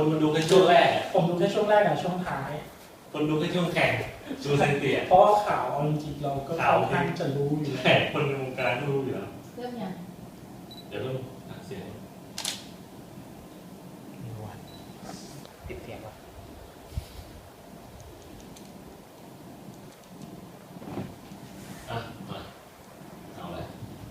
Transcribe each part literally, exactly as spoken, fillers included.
คนมาดูแค่ช่วงแรกผมดูแค่ช่วงแรกกับช่วงท้ายคนดูแค่ช่วงแข่งดูเซนเตียเพราะว่าข่าวจริงๆเราก็ค่อนข้างจะรู้อยู่แข่คนในวงการก็รู้อยู่แล้วเรื่องยังเดี๋ยวต้องตัดเสียงติดเสียงวะอ่ะมาเอาเลย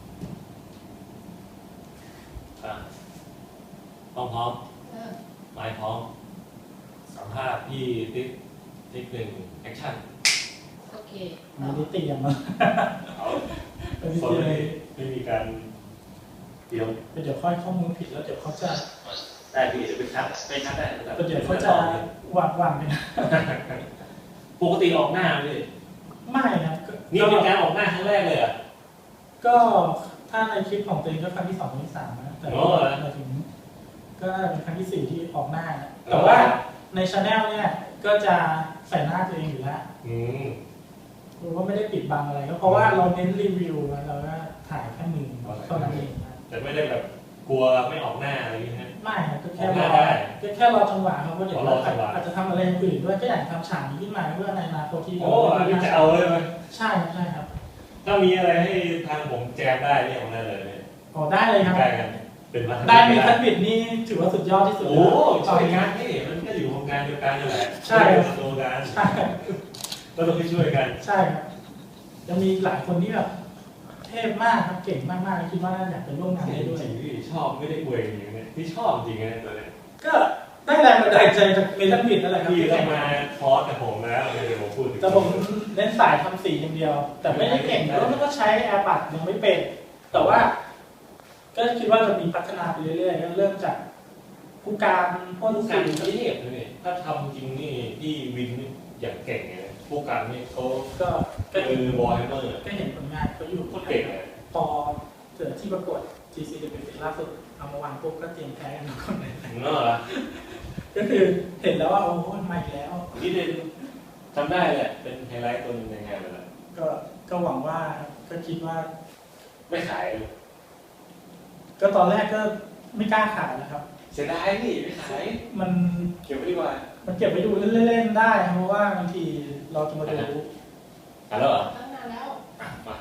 อ่ะต้องพร้อมไม้พร้อมสัมภาษณ์พี่ติ๊กติ๊กหนึ่งแอคชั่นโอเคไม่ได้เตรียมมาเอาสดไม่ไม่มีการเตรียมเดี๋ยวค่อยข้อมูลผิดแล้วเดี๋ยวเขาจะได้พี่เดี๋ยวไปคัดไปคัดได้เดี๋ยวเขาจะวางวางไปนะปกติออกหน้าเลยไม่ครับนี่เป็นการออกหน้าครั้งแรกเลยอ่ะก็ถ้าในคลิปของตัวเองก็ครั้งที่สองครั้งที่สามนะแต่ว่าถึงก็เป็นครั้งที่สี่ที่ออกหน้าแต่ว่าในชาแนลเนี่ยก็จะใส่หน้าตัวเองอยู่แล้วคือว่าไม่ได้ปิดบังอะไรก็เพราะว่าเราเน้นรีวิวแล้วเราก็ถ่ายแค่มือเท่านั้นเองแต่ไม่ได้แบบกลัวไม่ออกหน้าอะไรอย่างเงี้ยไม่ครับก็แค่รอก็แค่รอจังหวะเขาก็เดี๋ยวอาจจะทำอะไรอื่นด้วยก็อยากทำฉากนี้ขึ้นมาเพื่อในอนาคตที่โอ้ยจะเอาเลยไหมใช่ใช่ครับถ้ามีอะไรให้ทางผมแจมได้เนี่ยของได้เลยเนี่ยอ๋อได้เลยครับได้กันเป็นวัฒนธรรมได้มีทัศน์บิดนี่ถือว่าสุดยอดที่สุดโอ้ช่วยงานนี่มันก็อยู่วงการเดียวกันนี่แหละใช่โตกันใช่ก็ต้องช่วยกันใช่ครับยังมีหลายคนที่แบบเทพมากครับเก่งมากๆคิดว่าน่าอยากไปร่วมงานได้ด้วยจริงที่ชอบไม่ได้อวยอย่างเงี้ยที่ชอบจริงๆตัวเนี้ยก็ได้แรงบันดาลใจจากเมทัลบิดนั่นแหละครับที่ได้มาคอร์สกับผมแล้วเดี๋ยวผมพูดแต่ผมเน้นสายทำสีอย่างเดียวแต่ไม่ได้เก่งแล้วก็ใช้แอร์บัดยังไม่เป็นแต่ว่าก็คิดว่าจะมีพัฒนาไปเรื่อยๆเริ่มจากผู้การพ่นสีที่เห็นเลยถ้าทำจริงนี่ที่วินนี่อย่างเก่งเลยผู้การนี่เขาก็คือบอยเมอร์ก็เห็นผลงานเขาอยู่โคตรเก่งพอเกิดที่ประกวด จี ซี ดับเบิลยู ล่าสุดเอามาวางปุ๊บก็เตรียมแพ้กันทุกคนเลยเนอะก็คือเห็นแล้วว่าโอ้โหมาอีกแล้วนี่เด่นทำได้แหละเป็นไฮไลท์ตัวนึงในงานเลยละก็ก็หวังว่าก็คิดว่าไม่ขายก็ตอนแรกก็ไม่กล้าขายนะครับเสียดายพี่ไม่ขายมันเก็บไว้ดีกว่ามันเก็บไว้ดูเล่นๆได้เพราะว่าบางทีเราจะมาดูอ่ะแล้วเหรอตั้งนานแล้วมา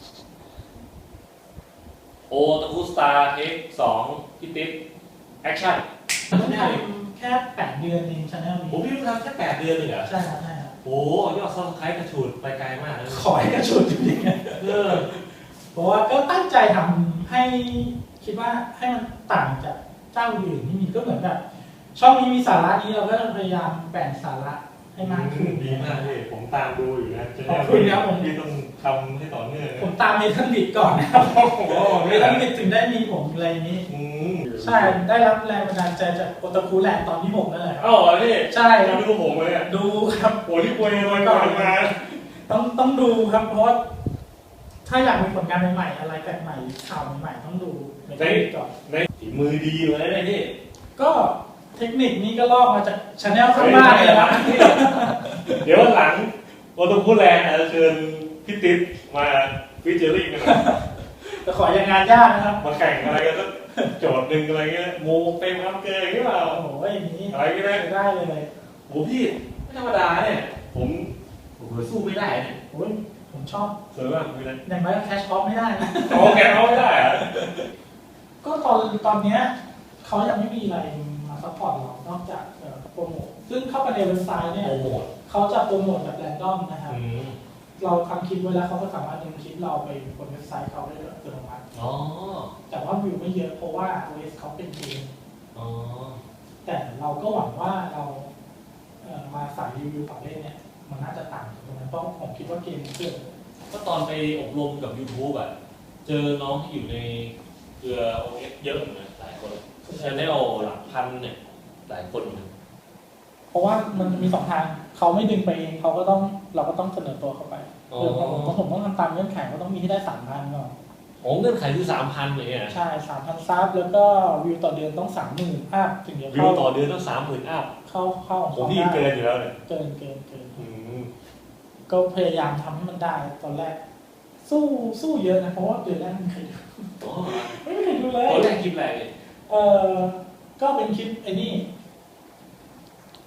โอตะคุสตาร์เทคสองพี่ติ๊บแอคชั่นต้องทำแค่แปดเดือนเองชาแนลนี้ผมพี่ทำแค่แปดเดือนเลยเหรอใช่ครับใช่ครับโอ้ยอดซับสไครบ์กระฉูดไปไกลมากเลยขอให้กระฉูดจริงๆเออเพราะว่าก็ตั้งใจทำให้คิดว่าให้มันต่างจากเจ้าอื่นที่มีก็เหมือนแบบช่องนี้มีสาระนี้เราก็พยายามแบ่งสาระให้มากขึ้นดีมากเลยผมตามดูอยู่นะขอบคุณนะผมพี่ต้องทำให้ต่อเนื่องผมตามเมทัลบิดก่อนนะครับเมทัลบิดถึงได้มีผมอะไรนี้ใช่ได้รับแรงบันดาลใจจากโอตาคุแลนด์ตอนที่ผมนั่นแหละอ๋อพี่ใช่ดูผมเลยอ่ะดูครับโอ้ที่ป่วยมาก่อนมาต้องต้องดูครับเพราะถ้าอยากมีผลงานใหม่ๆอะไรแปลกใหม่ข่าวใหม่ๆต้องดูเมทัลบิดก่อนในฝีมือดีเลยนะพี่ก็เทคนิคนี้ก็ลอกมาจากชาแนลข้างบ้านเลยนะเดี๋ยวหลังโอตาคุแลนด์จะเชิญพี่ติ๊บมาฟิชเจอริ่งกันแต่ขออย่างงานยากนะครับมาแข่งอะไรกันสักโจทย์หนึ่งอะไรเงี้ยโมเต็มครับเกย์หรือเปล่าโอ้โหอย่างนี้อะไรก็ได้ได้เลยโอ้พี่ไม่ธรรมดาเนี่ยผมผมสู้ไม่ได้เนี่ยโอ้ยผมชอบสวยมากเลยอย่างไรแคชออฟไม่ได้นะโอ้แคชออฟไม่ได้อะก็ตอนตอนเนี้ยเขายังไม่มีอะไรมาซัพพอร์ตเรานอกจากโปรโมทซึ่งเข้าไปในเว็บไซต์เนี่ยเขาจะโปรโมทแบบแรนดอมนะครับเราทำคลิปไว้แล้วเขาก็สามารถดึงคลิปเราไปบนเว็บไซต์เขาได้อัตโนมัติแต่ว่าวิวไม่เยอะเพราะว่า โอ เอส เขาเป็นเกมแต่เราก็หวังว่าเรามาสายรีวิวต่อเล่นเนี่ยมันน่าจะต่างตรงนั้นเพราะผมคิดว่าเกมเกิดก็ตอนไปอบรมกับ YouTube อ่ะเจอน้องที่อยู่ในเครือ โอ เอส เยอะเหมือนกันหลายคนชาแนลหลักพันเนี่ยหลายคนเพราะว่ามันมีสองทางเขาไม่ดึงไปเองเขาก็ต้องเราก็ต้องเสนอตัวเข้าไปคือผมผมต้องทำตามเงื่อนไขก็ต้องมีที่ได้สามพันก่อนโอ้เงื่อนไขคือสามพันเลยอ่ะใช่สามพันซับแล้วก็วิวต่อเดือนต้องสามหมื่นอัพถึงจะเข้าวิวต่อเดือนต้องสามหมื่นอัพเข้าเข้าผมพี่เกินอยู่แล้วเนี่ยเกินเกินเกินก็พยายามทำให้มันได้ตอนแรกสู้สู้เยอะนะเพราะว่าเดือนแรกไม่เคยดูไม่เคยดูเลยตอนแรกคลิปอะไรเออก็เป็นคลิปไอ้นี่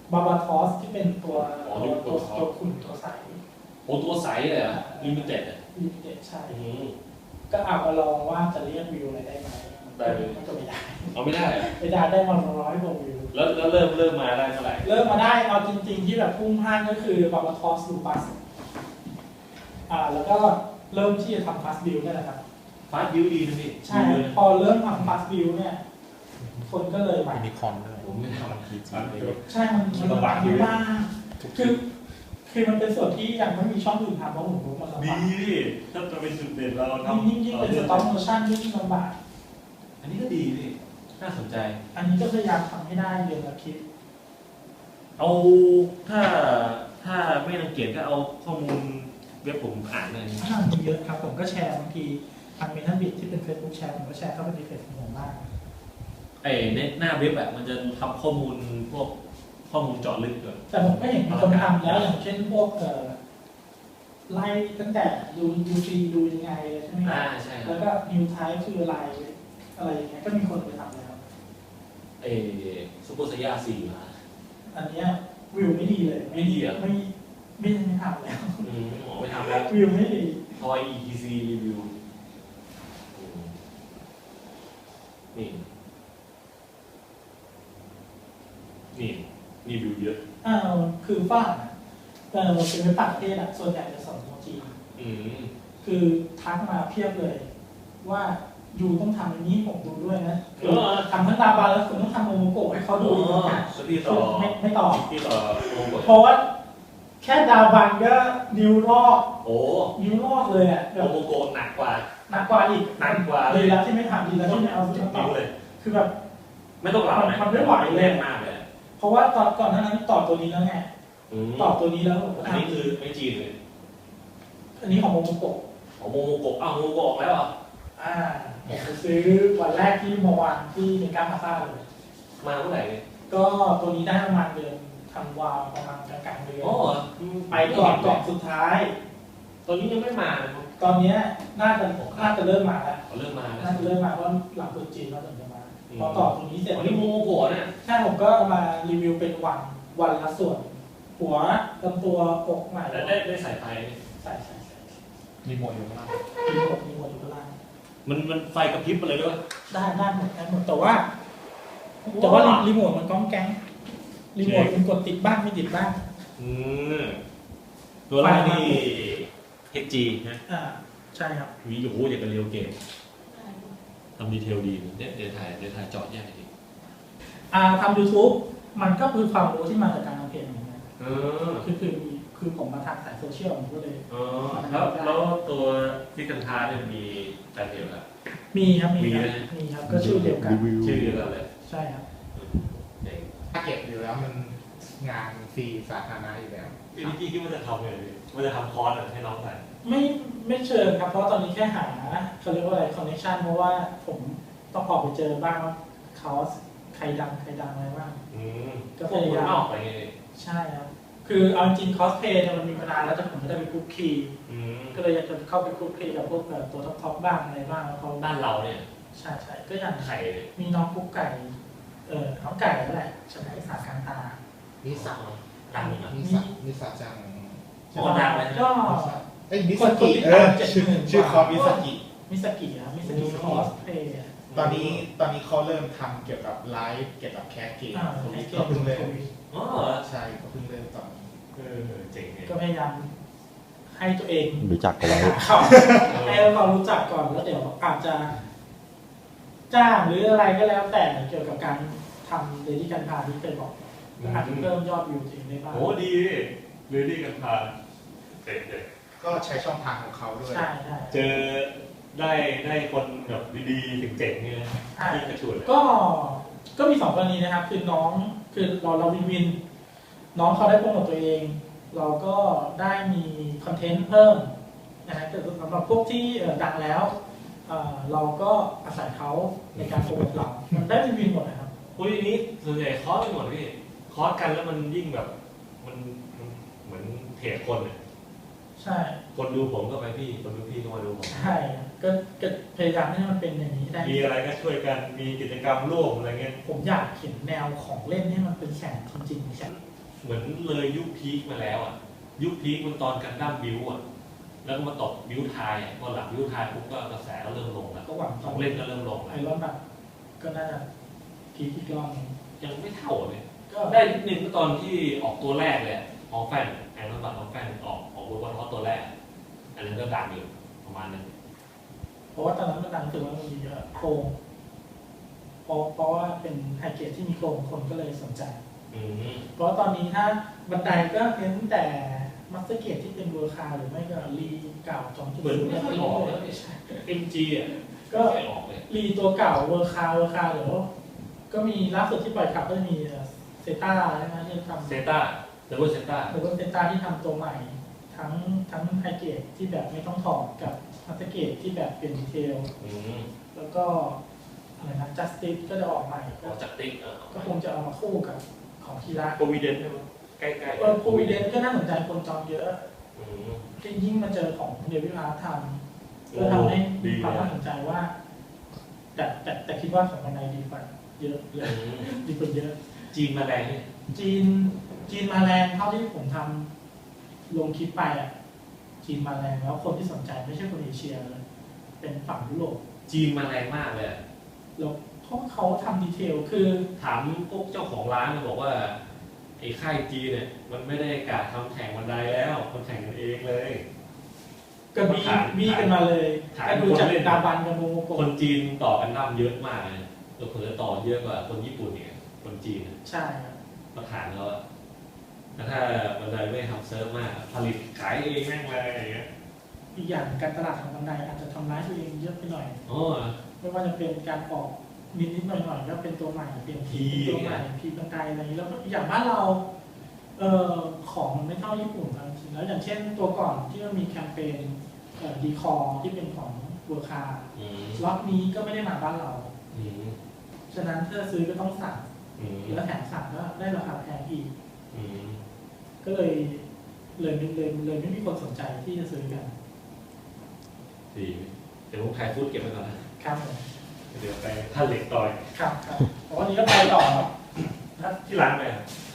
บาบาทอสที่เป็นตัวอ๋อตัวตัตัว วท็อปตัวขุ่นตัวใสโอ้ตัวใสเลยอ่ะลิมิเต็ดอ่ะลิมิเต็ดใช่อืมก็เอามาลองว่าจะเรียกวิวอะไรได้ไหมได้เลยมันก็ไม่ได้เอาไม่ได้อะไม่ได้ได้มาร้อยกว่าวิวแล้วแล้วเริ่มเริ่มมาได้เท่าไหร่เริ่มมาได้เอาจริง ๆ ที่แบบพุ่งพลาดก็คือบาบาทอสลูปัสอ่าแล้วก็เริ่มที่จะทำฟาสบิลนี่แหละครับฟาสต์บิวดีนะพี่ใช่ดีเลยนะพอเริ่มทำฟาสบิลเนี่ยคนก็เลยมามีคอนด้วยผมไม่ทำพีจีเลยใช่มันมันลำบากอยู่มากคือคือมันเป็นส่วนที่ยังไม่มีช่องอื่นทำเพราะผมรู้มันลำดีบากพี่ถ้าจะเป็นจุดเด่นเราทำยิ่งยิ่งเป็นสต็อปโมชั่นยิ่งลำบากอันนี้ก็ดีพี่น่าสนใจอันนี้ก็พยายามทำให้ได้เดือนละคลิปเอาถ้าถ้าไม่รังเกียจก็เอาข้อมูลเว็บผมอ่านเลยอ่ามีเยอะครับผมก็แชร์บางทีทางเมทัลบิทที่เป็น Facebook แชร์ผมก็แชร์เข้าไปในเพจของผมบ้างไอ้ในหน้าเว็บแบบมันจะทำข้อมูลพวกข้อมูลเจาะลึกก่อนแต่ผมก็เห็นมีคนทำแล้วอย่างเช่นพวกเอ่อไล่ตั้งแต่ดูดูฟรีดูยังไงเลยใช่ไหมคอ่ารับใช่ครัแล้บวก็นิวไทป์คืออะไรอะไรอย่างเงี้ยก็มีคนไปทำแล้วไอ้ซูเปอร์ไซย่าสี่มาอันเนี้ยวิวไม่ดีเลยไม่ดีเหรอไม่ไม่ไม่ทำแล้วอืมหมอไม่ทำแล้ววิวไม่ดีทอย อี ที ซี รีวิวอืมนี่นี่รีวิวเยอะอ่าคือฝ้าเออเป็นเว็บต่างประเทศอะส่วนใหญ่จะสอนโมจีนอืมคือทักมาเพียบเลย ว่ายูต้องทำอย่างนี้ผมดูด้วยนะเออทำทั้งตาบาแล้วคุณต้องทำโมโมโกะให้เขาดูอีกนะสพี่ต่อไม่ไม่ต่อพี่ต่อโอ้โหเพราะว่าแค่ดาวบันก็นิ้วรอกโอ้นิ้วรอกเลยอ่ะแบโอบ โมโกะหนักกว่าหนักกว่าอีกหนักกว่าเลยดีแล้วที่ไม่ทำดีแล้วที่ไม่เอาที่มาต่อนิ้วเลยคือแบบไม่ต้องหลับนะมันไม่ไหวเลยแน่นมากเลยเพราะว่าตอนก่อนหน้านั้นต่อตัวนี้แล้วไงอืมต่อตัวนี้แล้วผมก็อันทำนี้คือไม่จีนเลยอันนี้ของโมโมโกะอ๋อโมโมโกะอ้าวโมโมโกะออกแล้วเหรออ่าผมไปซื้อวันแรกที่เมื่อวานที่เมกาพาซ่าเลยมาเมื่อไหร่เนี่ยก็ตัวนี้ได้ประมาณเดือนธันวาประมาณกลางๆเดือนอ๋อไปก่อนก่อนสุดท้ายตอนนี้ยังไม่มาเลยครับตอนเนี้ยน่าจะน่าจะเริ่มมาแล้วเขาเริ่มมาแล้วน่าจะเริ่มมาเพราะหลังตรุษจีนเราถึงจะมาพอต่อตรงนี้เสร็จอ๋อนี่โมโมโกะเนี่ยใช่ผมก็เอามารีวิวเป็นวันวันละส่วน หัวลำตัวอกใหม่แล้วได้ได้สายไฟไหมใส่ใส่ใส่มีหมวดอยู่ข้างล่างมีหมดมีหมดอยู่ข้างล่างมันมันไฟกระพริบมาเลยด้วยได้ได้หมดได้หมดแต่ว่า แต่ว่ารีโมทมันก้องแก๊งรีโมทมันกดติดบ้างไม่ติดบ้างอืมตัวแรกนี่ เอ็กซ์ จี นะอ่าใช่ครับวีโอ้โหอย่างกับเรียวเกมทำดีเทลดีเนี่ยเดี๋ยวถ่ายเดี๋ยวถ่ายเจอดแยกทีอ่าทำยูทูบมันก็คือความรู้ที่มาจากการทำเพลงเหมือนกันเออคือคือมีคือผมมาทางสายโซเชียลผมก็เลยอ๋อแล้วแล้วตัวที่กันทาเนี่ยมีแฟนเพจครับมีครับมีครับมีไหมมีครับก็ชื่อเดียวกันชื่อเดียวกันเลยใช่ครับเจ๋งถ้าเก็บอยู่แล้วมันงานฟรีสาธารณะอยู่แล้วพี่นิกกี้คิดว่าจะทำไงดีว่าจะทำคอร์สให้น้องใส่ไม่ไม่เชิญครับเพราะตอนนี้แค่หาเขาเรียกว่าอะไรคอนเนคชันเพราะว่าผมต้องออกไปเจอบ้างว่าเขาใครดังใครดังอะไรบ้างอืมก็พวกพคนยายามนอกไปไงใช่ครับคือเอาจริงคอสเพย์เนี่ยมันมีมานานแล้วแต่ผมไม่ได้ไปคุกคีอืมก็เลยอยากจะเข้าไปคุกคีกับพวกแบบตัวท็อปๆบ้างอะไรบ้างแล้วเขาบ้านเราเนี่ยใช่ใช่ก็อย่างไข่มีน้องกุ๊กไก่เออน้องไก่นั่นแหละชนะสาขาตานิสาดังนะนิสานิสาจังอ๋อดังเลยนะก็เอ้ยมิคสนกดกิติดเอตาอมเจ็ดชื่อหมื่นชื่อคอร์สมิสกิมิสกิครับมิสกิคอสเพย์ตอนนี้ตอนนี้เขาเริ่มทำเกี่ยวกับไลฟ์เกี่ยวกับแคสเกมอ่าทวิตเกเขามเพิ่งเริ่มอ๋อใช่เขาเพิ่งเริ่มตอนนี้เออเจ๋งเลยก็พยายามให้ตัวเองรู้จักกันไว้เข้าให้เรารู้จักก่อนแล้วเดี๋ยวอาจจะจ้างหรืออะไรก็แล้วแต่เกี่ยวกับการทำเดลิการพาที่เคยบอกก็อาจจะเพิ่มยอดวิวตัวเองได้บ้างโอ้ดีเลยดีกันพาเจ๋งเลยก็ใช้ช่องทางของเขาด้วยใช่ใช่เจอได้ได้คนแบบดีๆเจ๋งๆเนี่ยที่กระชุดก็ก็มีสองกรณีนะครับ คือน้องคือเราเราวินวิน น้องเขาได้โปรโมทตัวเอง เราก็ได้มีคอนเทนต์เพิ่มนะฮะแต่สำหรับพวกที่เอ่อดังแล้วเอ่อเราก็อาศัยเขาในการโปรโมทเรา มันได้วินวินหมดนะครับคุยนี้ส่วนใหญ่คอร์สไปหมดพี่คอร์สกันแล้วมันยิ่งแบบมันมันเหมือนเทรดคนเนี่ยใช่คนดูผมก็ไปพี่คนดูพี่ก็มาดูผมใช่ก็ก็พยายามให้มันเป็นอย่างนี้ได้มีอะไรก็ช่วยกันมีกิจกรรมร่วมอะไรเงี้ยผมอยากเห็นแนวของเล่นให้มันเป็นแข่งจริงๆแข่งเหมือนเลยยุคพีคมาแล้วอ่ะยุคพีคมันตอนกันดั้มบิวอ่ะแล้วก็มาตกบิวไทยอ่ะพอหลังบิวไทยปุ๊บก็กระแสก็เริ่มลงแล้วก็หวังของเล่นก็เริ่มลงไอแล้วรอนแบบก็น่าจะพีคอีกรอบนึงยังไม่เท่าเลยก็ได้นิดนึงก็ตอนที่ออกตัวแรกเลยออกแฟนแอนด์บัตออกแฟนออกออกเวอร์บอลทอตัวแรกอันนั้นก็ดังอยู่ประมาณนึงเพราะว่าตอนนั้นมันดังถือว่ามันมีเยอะโครงเพราะเพราะว่าเป็นไฮเกรดที่มีโครงคนก็เลยสนใจอืมเพราะตอนนี้ถ้าบันไดก็เน้นแต่มัสเตอร์เกตที่เป็นเวอร์คาหรือไม่ก็รีเก่าจองจุดเหมือนศูนย์ไม่ค่อยออกแล้วเอ็มจีอ่ะก็ไม่ค่อยออกเลยรีตัวเก่าเวอร์คาเวอร์คาเดี๋ยวก็มีล่าสุดที่ปล่อยขับก็จะมีเซต้าใช่ไหมที่ทำเซต้าเดบิวเซต้าหรือว่าเซต้าที่ทำตัวใหม่ ทั้งทั้งไฮเกรดที่แบบไม่ต้องถอดกับมัสเตอร์เกตที่แบบเป็นดีเทลอืมแล้วก็อะไรนะจัสติสก็จะออกใหม่อก็อกจากติ๊กเออก็คงจะเอามาคู่กับของทีละโควิเดนใช่ไหมใกล้ๆเออโควิดเดนก็น่าสนใจคนจองเยอะอืมยิ่งมาเจอของเดวิดอาร์ทำก็ทำให้มีความน่าสนใจว่า แต่แต่แต่คิดว่าของบันไดดีกว่าเยอะเยอือะมดีกว่าเยอะจีนมาแรงเนี่ยจีนจีนมาแรงเท่าที่ผมทำลงคลิปไปอ่ะจีนมาแรงแล้วคนที่สนใจไม่ใช่คนเอเชียเลยเป็นฝั่งยุโรปจีนมาแรงมากเลยอะแล้วเพราะเขาทำดีเทลคือถามพวกเจ้าของร้านมันบอกว่าไอ้ค่ายจีนเนี่ยมันไม่ได้กะทำแข่งบันไดแล้วมันแข่งกันเองเลยก็บีฐานบีกันมาเลยฐานก็ดูจากคนเล่นดาบันกับโมโมโกะคนจีนต่อกันดั้มเยอะมากเลยเราเผลอต่อเยอะกว่าคนญี่ปุ่นเนี่ยคนจีนใช่ครับมาฐานเราอะแล้วถ้าบันไดไม่ทำเซิร์ฟมากผลิตขายเองแม่งเลยอย่างเงี้ยอีกอย่างการตลาดของบันไดอาจจะทำร้ายตัวเองเยอะไปหน่อยอ๋อไม่ว่าจะเป็นการออกนิดนิดๆหน่อยหน่อยๆก็เป็นตัวใหม่เปลี่ยนทีทีเป็นตัวใหม่พีบันไดอะไรอย่างนี้แล้วก็อย่างบ้านเราเอ่อของมันไม่เท่าญี่ปุ่นบางทีแล้วอย่างเช่นตัวก่อนที่มันมีแคมเปญเอ่อดีคอที่เป็นของเวอร์คาอืมล็อตนี้ก็ไม่ได้มาบ้านเราอืมฉะนั้นถ้าซื้อก็ต้องสั่งอืมแล้วแถมสั่งก็ได้ราคาแพงอีกอืมก็เลยเลยเลยเลยไม่มีคนสนใจที่จะซื้อกันดีเดี๋ยวผมถ่ายฟูดเก็บไว้ก่อนนะครับผมเดี๋ยวไปท่านเหล็กต่อยครับครับเพราะวันนี้ก็ไปต่อครับที่ร้านไปอะค